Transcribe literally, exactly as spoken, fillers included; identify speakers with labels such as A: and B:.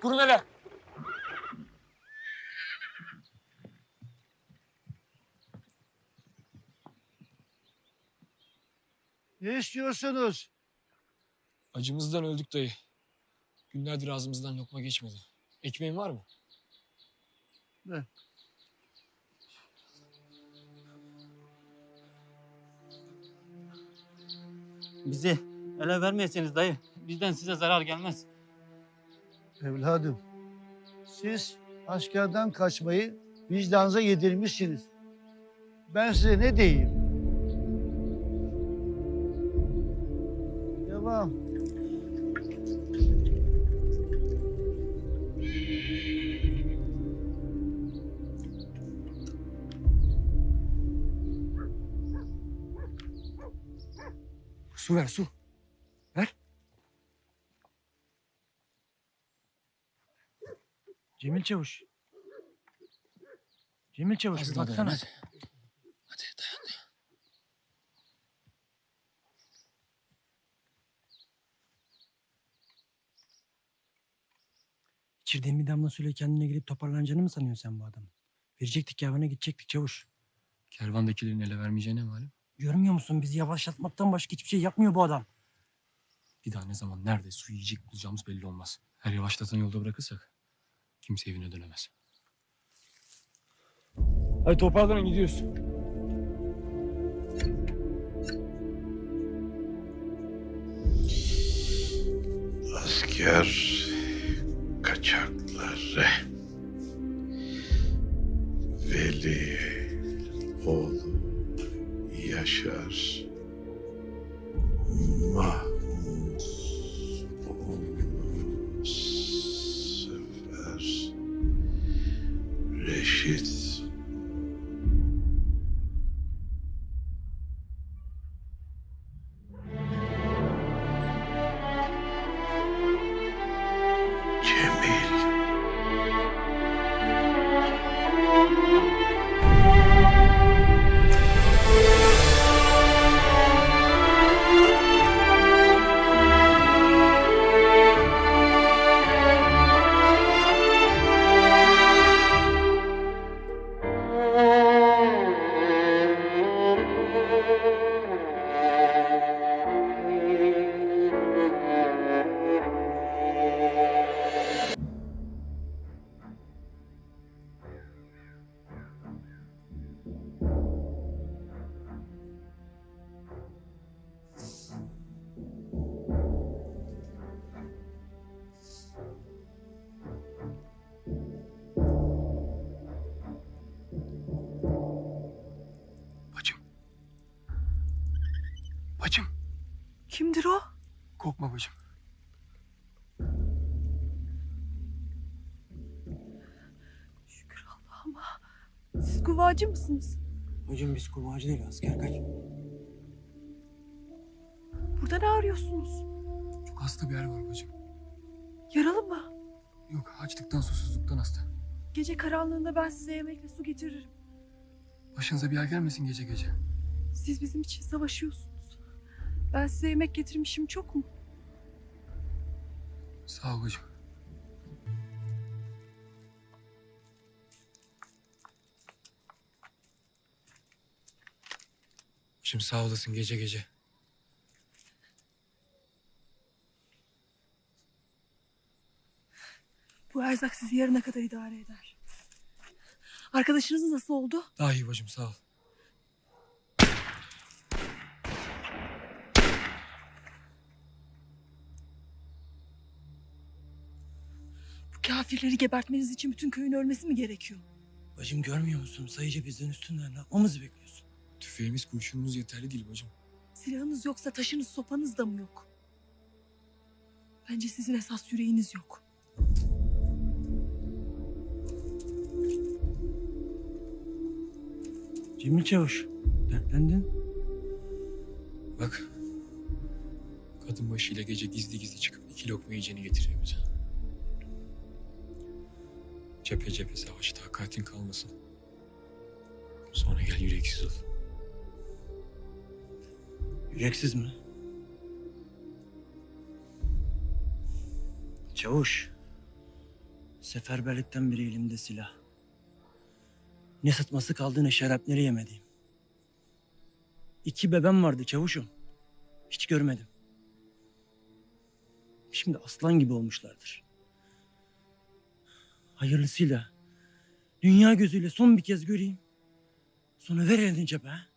A: Kurun hele.
B: Ne istiyorsunuz?
A: Acımızdan öldük dayı. Günlerdir ağzımızdan lokma geçmedi. Ekmeğin var mı?
B: Ne?
C: Bizi ele vermeyeseniz dayı, bizden size zarar gelmez.
B: Evladım, siz askerden kaçmayı vicdanınıza yedirmişsiniz. Ben size ne diyeyim? Devam.
A: Su ver su. Ver.
D: Cemil Çavuş. Cemil Çavuş bir
A: Hadi
D: baksana.
A: dayan, hadi. Hadi dayan dayan.
D: İçirdiğin bir damla suyla kendine gelip toparlanacağını mı sanıyorsun sen bu adamı? Verecektik yavana gidecektik Çavuş.
A: Kervandakilerin ele vermeyeceğine malum.
D: Görmüyor musun? Bizi yavaşlatmaktan başka hiçbir şey yapmıyor bu adam.
A: Bir daha ne zaman nerede su yiyecek bulacağımız belli olmaz. Her yavaşlatan yolda bırakırsak kimse evine dönemez. Hadi toparlanın gidiyoruz.
E: Asker kaçakları Veli oğlu Yaşar Mahmut oğlu Sefer Reşit Cemil
A: Bacım. Bacım.
F: Kimdir o?
A: Korkma bacım.
F: Şükür Allah'ıma. Siz kuvacı mısınız?
D: Hocam biz kovacı değil asker kaç.
F: Burada ne arıyorsunuz?
A: Çok hasta bir yer var bacım.
F: Yaralı mı?
A: Yok açlıktan susuzluktan hasta.
F: Gece karanlığında ben size yemekle su getiririm.
A: Başınıza bir yer gelmesin gece gece.
F: Siz bizim için savaşıyorsunuz. Ben size yemek getirmişim çok mu?
A: Sağ ol bacım. Şimdi sağ olasın gece gece.
F: Bu erzak sizi yarına kadar idare eder. Arkadaşınız nasıl oldu?
A: Daha iyi bacım sağ ol.
F: Bu kafirleri gebertmeniz için bütün köyün ölmesi mi gerekiyor?
D: Bacım görmüyor musun? Sayıca bizden üstünler. Ne yapmamızı bekliyorsun?
A: Tüfeğimiz kurşunumuz yeterli değil bacım.
F: Silahınız yoksa taşınız sopanız da mı yok? Bence sizin esas yüreğiniz yok.
D: Cemil Çavuş. Dertlendin.
A: Bak. Kadın başıyla gece gizli gizli çıkıp iki lokma yiyeceğini getiriyor bize. Cephe cephe savaş takatin kalmasın. Sonra gel yüreksiz ol.
D: Yüreksiz mi? Çavuş. Seferberlikten beri elimde silah. Ne sıtması kaldı ne şarapneli yemediğim. İki bebem vardı çavuşum. Hiç görmedim. Şimdi aslan gibi olmuşlardır. Hayırlısıyla dünya gözüyle son bir kez göreyim. Sonra ver elini cebe. ha?